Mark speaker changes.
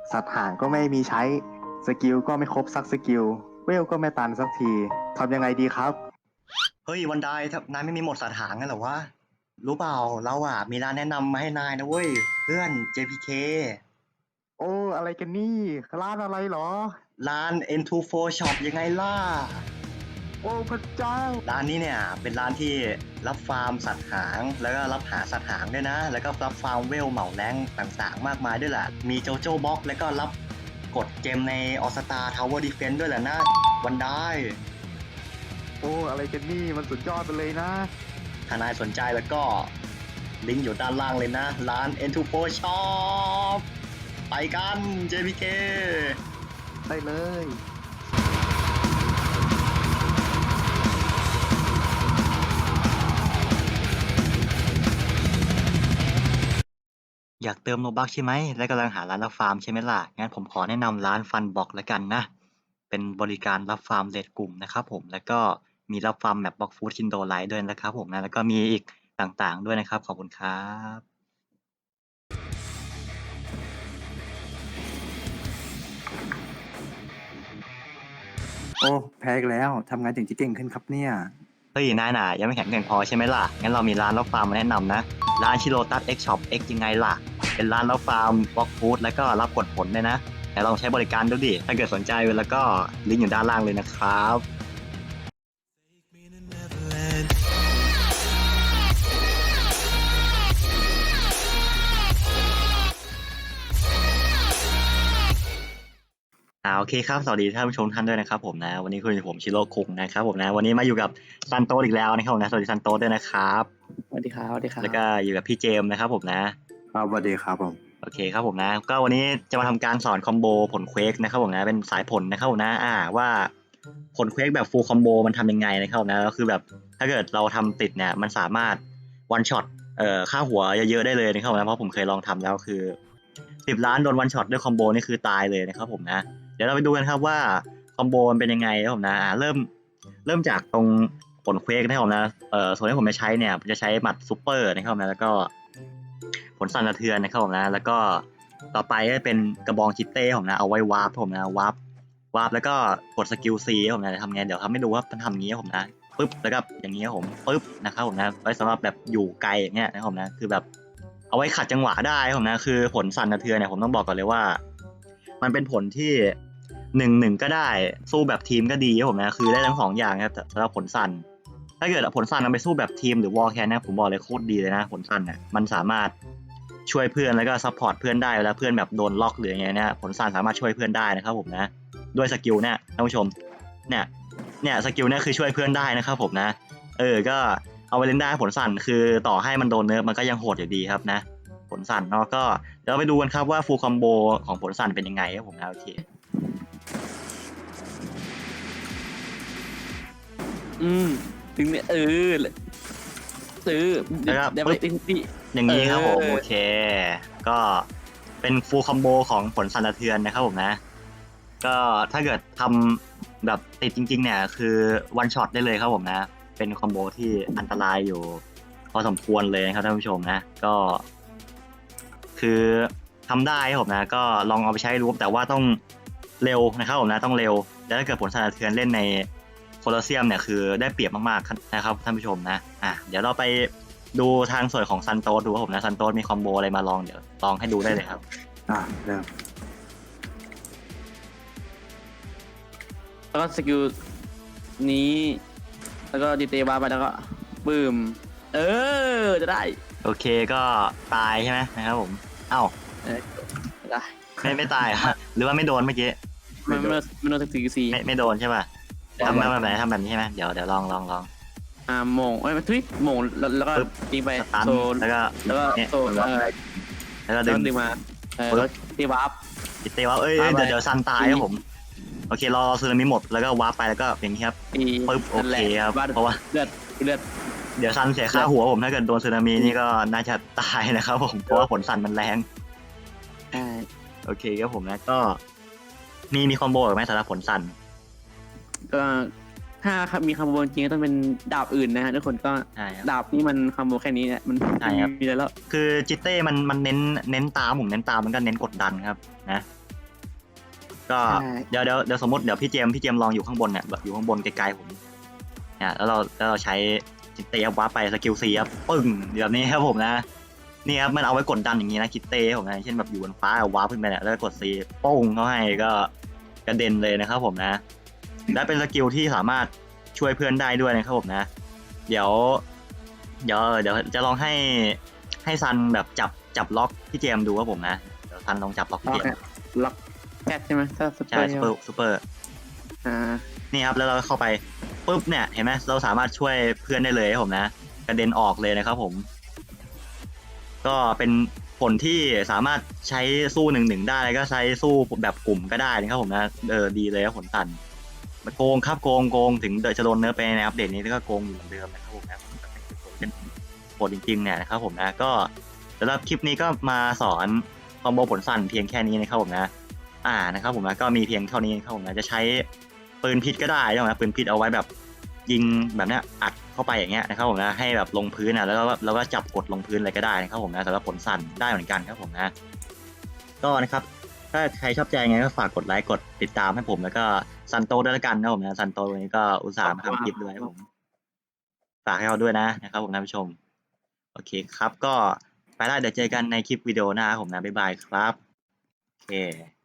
Speaker 1: สัตว์ห่างก็ไม่มีใช้สกิลก็ไม่ครบสักสกิลเวลก็ไม่ตันสักทีทำยังไงดีครับ
Speaker 2: เฮ้ยวันไดนายไม่มีหมดสถานกันเหรอวะรู้เปล่าเราอ่ะมีร้านแนะนำมาให้นายนะเว้ยเพื่อน JPK
Speaker 1: โอ้อะไรกันนี่ร้านอะไรเหรอ
Speaker 2: ร้าน N24 Shop ยังไงล่ะ
Speaker 1: โอ้พระเจ้า
Speaker 2: ร้านนี้เนี่ยเป็นร้านที่รับฟาร์มสัตว์หางแล้วก็รับหาสัตว์หางด้วยนะแล้วก็รับฟาร์มเวลเหมาแรงต่างๆมากมายด้วยแหละมีโจโจ้บ็อกแล้วก็รับกดเกมในออสตาทาวเวอร์ดีเฟนส์ด้วยแหละนะวันได
Speaker 1: โอ้อะไรกันนี่มันสุดยอดไปเลยนะ
Speaker 2: ถ้านายสนใจแล้วก็ลิงก์อยู่ด้านล่างเลยนะร้าน N24 Shop ไปกัน JPK
Speaker 1: ได้เลย
Speaker 2: อยากเติมโลบัคใช่ไหมและกำลังหาร้านรับฟาร์มใช่ไหมล่ะงั้นผมขอแนะนำร้านฟันบอกแล้วกันนะเป็นบริการรับฟาร์มเรทกลุ่มนะครับผมแล้วก็มีรับฟาร์มแมปบล็อกฟูดคินโดไลท์ด้วยนะครับผมนะแล้วก็มีอีกต่างๆด้วยนะครับขอบคุณครับ
Speaker 3: โอ้แพ้อีกแล้วทำงานถึงจะเก่งขึ้นครับเนี่ย
Speaker 2: เฮ้ยนายน่ะยังไม่แข็งแกร่งพอใช่ไหมล่ะงั้นเรามีร้านรับฟาร์มมาแนะนำนะร้านชิโรตัส X Shop X ยังไงล่ะเป็นร้านรับฟาร์มบล็อกฟูดแล้วก็รับกดผลด้วยนะแต่ลองใช้บริการดูดิถ้าเกิดสนใจแล้วก็ลิงก์อยู่ด้านล่างเลยนะครับโอเคครับสวัสดีท่านผู้ชมท่านด้วยนะครับผมนะวันนี้คุยกับผมชิโร่คุงนะครับผมนะวันนี้มาอยู่กับซันโตสอีกแล้วนะครับผมนะสวัสดีซันโตสด้วยนะครับ
Speaker 4: สวัสดีครับสวัสดีครับ
Speaker 2: แล้วก็อยู่กับพี่เจมส์นะครับผมนะครับ
Speaker 3: สวัสดีครับผม
Speaker 2: โอเคครับผมนะก็วันนี้จะมาทำการสอนคอมโบผลเควกนะครับผมนะเป็นสายผลนะครับผมนะว่าผลเควกแบบฟูลคอมโบมันทำยังไงนะครับนะก็คือแบบถ้าเกิดเราทำติดเนี่ยมันสามารถวันช็อตค่าหัวเยอะๆได้เลยนะครับนะเพราะผมเคยลองทำแล้วคือ10 ล้านโดนวันช็อตด้วยคอมโบนี่คือตายเลยนะครับผมนะเดี๋ยวเราไปดูกันครับว่าคอมโบมันเป็นยังไงนะครับผมนะเริ่มจากตรงผลเควกนะครับผมนะส่วนที่ผมจะใช้เนี่ยผมจะใช้หมัดซูเปอร์นะครับนะแล้วก็ผลสั่นสะเทือนนะครับผมนะแล้วก็ต่อไปก็เป็นกระบองชิปเต้ผมนะเอาไว้วาร์ปผมนะวาร์ปแล้วก็กดสกิลซีผมนะจะทำไงเดี๋ยวทำให้ดูว่ามันทำงี้ผมนะปึ๊บแล้วก็อย่างนี้ผมปึ๊บนะครับผมนะไว้สำหรับแบบอยู่ไกลอย่างเงี้ยนะครับผมนะคือแบบเอาไว้ขัดจังหวะได้ผมนะคือผลสั่นสะเทือนเนี่ยผมต้องบอกก่อนเลยว่ามันเป็นผลที่1-1ก็ได้สู้แบบทีมก็ดีครับผมนะคือได้ทั้ง2อย่างครับสำหรับผลสั่นถ้าเกิดผลสั่นเอาไปสู้แบบทีมหรือวอลแคนนะผมบอกเลยโคตรดีเลยนะผลสั่นเนี่ยมันสามารถช่วยเพื่อนแล้วก็ซัพพอร์ตเพื่อนได้เวลาเพื่อนแบบโดนล็อกหรืออย่างเงี้ยนะผลสั่นสามารถช่วยเพื่อนได้นะครับผมนะด้วยสกิลเนี่ยท่านผู้ชมเนี่ยสกิลเนี่ยคือช่วยเพื่อนได้นะครับผมนะก็เอาไปเล่นได้ผลสั่นคือต่อให้มันโดนเนิร์ฟมันก็ยังโหดอยู่ดีครับนะผลสั่นเนาะก็เดี๋ยวเราไปดูกันครับว่าฟูลคอมโบของผลสั่นเป็นยังไงครับผมนะโอเค
Speaker 4: ถึงเนี่ย
Speaker 2: แล้วก็
Speaker 4: เดี๋ยวไป
Speaker 2: ปึ๊บ
Speaker 4: ที่
Speaker 2: อย่างนี้ครับผมโอเคก็เป็นฟูลคอมโบของผลสั่นสะเทือนนะครับผมนะก็ถ้าเกิดทำแบบติดจริงๆเนี่ยคือวันช็อตได้เลยครับผมนะเป็นคอมโบที่อันตรายอยู่พอสมควรเลยนะครับท่านผู้ชมนะก็คือทำได้ครับผมนะก็ลองเอาไปใช้ดูแต่ว่าต้องเร็วนะครับผมนะต้องเร็วแล้วถ้าเกิดผลสั่นสะเทือนเล่นในโคลอสเซียมเนี่ยคือได้เปรียบมากๆนะครับท่านผู้ชมนะเดี๋ยวเราไปดูทางส่วนของซันโตสดูครับผมนะซันโตสมีคอมโบอะไรมาลองเดี๋ยวลองให้ดูได้เลยครับ
Speaker 3: เริ่ม
Speaker 4: แล้วก็สกิลนี้ แล้วก็ดีเตวาไปแล้วก็บึ้มจะได้
Speaker 2: โอเคก็ตายใช่ไหมนะครับผมเอ้า
Speaker 4: ได้
Speaker 2: ไม่ตายเหรอหรือว่าไม่โดนเมื่อกี้
Speaker 4: มันโดนสกิลซี
Speaker 2: ไม่โดนใช่ป่ะทำแบบไหนทำแบบนี้ใช่ไหมเดี๋ยวลอง
Speaker 4: โมงมันทุยโมงแล้วก็ยิงไปโซน
Speaker 2: แล้วก็
Speaker 4: โซน
Speaker 2: แล้วก็
Speaker 4: ดึงมาแล้วตีวาร์ป
Speaker 2: ติดเตะว่าเดี๋ยวซันตายครับผมโอเครอซึนามิหมดแล้วก็วาร์ปไปแล้วก็อย่างนี้ครับปึ๊บโอเคครับเพราะว่า
Speaker 4: เลือด
Speaker 2: เดี๋ยวซันเสียค่าหัวผมถ้าเกิดโดนสึนามินี่ก็น่าจะตายนะครับผมเพราะว่าผลซันมันแรงโอเคครับผมนะก็มีคอมโบหรือไม่สำหรับผลซัน
Speaker 4: ก็ถ้ามีคอมโบจริงก็ต้องเป็นดาบอื่นนะฮะทุกคนก็ดาบนี่มันคอมโบแค่นี้เนี่ยมันมีอะไรแล้ว
Speaker 2: คือจิตเต้มันเน้นตามผมเน้นตามมันก็เน้นกดดันครับนะก็
Speaker 4: ใช่
Speaker 2: เดี๋ยวสมมติเดี๋ยวพี่เจมส์ลองอยู่ข้างบนเนี่ยแบบอยู่ข้างบนไกลๆผมเนี่ยแล้วเราใช้เตะวับไปสกิลซีครับปึ้งแบบนี้ครับผมนะนี่ครับมันเอาไว้กดดันอย่างนี้นะคิดเต้ผมนะเช่นแบบอยู่บนฟ้าวับขึ้นไปเนี่ยแล้วกดซีป้งเขาให้ก็กระเด็นเลยนะครับผมนะและเป็นสกิลที่สามารถช่วยเพื่อนได้ด้วยนะครับผมนะเดี๋ยวจะลองให้ซันแบบจับล็อกพี่เจมส์ดูครับผมนะเดี๋ยวซันลองจับล็อกพี่
Speaker 4: ล็อ
Speaker 2: เจ
Speaker 4: ก
Speaker 2: ม
Speaker 4: เนี่ย
Speaker 2: ส์
Speaker 4: ล็อกแพทใช่ไหมถ้าสเป
Speaker 2: ใช่
Speaker 4: อร์
Speaker 2: ซูเปอร์
Speaker 4: อ่า
Speaker 2: นี่ครับแล้วเราเข้าไปปุ๊บเนี่ยเห็นไหมเราสามารถช่วยเพื่อนได้เลยครับผมนะกระเด็นออกเลยนะครับผม ก็เป็นผลที่สามารถใช้สู้1-1ได้แล้วก็ใช้สู้แบบกลุ่มก็ได้นะครับผมนะดีเลยครับผลตันมันโกงครับโกงถึงจะโดนเนื้อไปในอัปเดตนี้ก็โกงอยู่เหมือนเดิมนะครับผมนะเป็นผลจริงๆเนี่ยนะครับผมนะก็สำหรับคลิปนี้ก็มาสอนคอมโบผลสั้นเพียงแค่นี้นะครับผมนะนะครับผมนะก็มีเพียงเท่านี้นะครับผมนะจะใช้ปืนพิษก็ได้นะครับปืนพิษเอาไว้แบบยิงแบบเนี้ยอัดเข้าไปอย่างเงี้ยนะครับผมนะให้แบบลงพื้นแล้วก็จับกดลงพื้นอะไรก็ได้นะครับผมนะสำหรับผลสั้นได้เหมือนกันครับผมนะก็นะครับถ้าใครชอบใจไงก็ฝากกดไลค์กดติดตามให้ผมแล้วก็ซันโตด้วยละกันนะผมนะซันโตวันนี้ก็อุตส่าห์มาทำคลิปด้วยครับผมฝากให้เราด้วยนะครับผมท่านผู้ชมโอเคครับก็ไปได้เดี๋ยวเจอกันในคลิปวิดีโอหน้าครับผมนะบ๊ายบายครับโอเค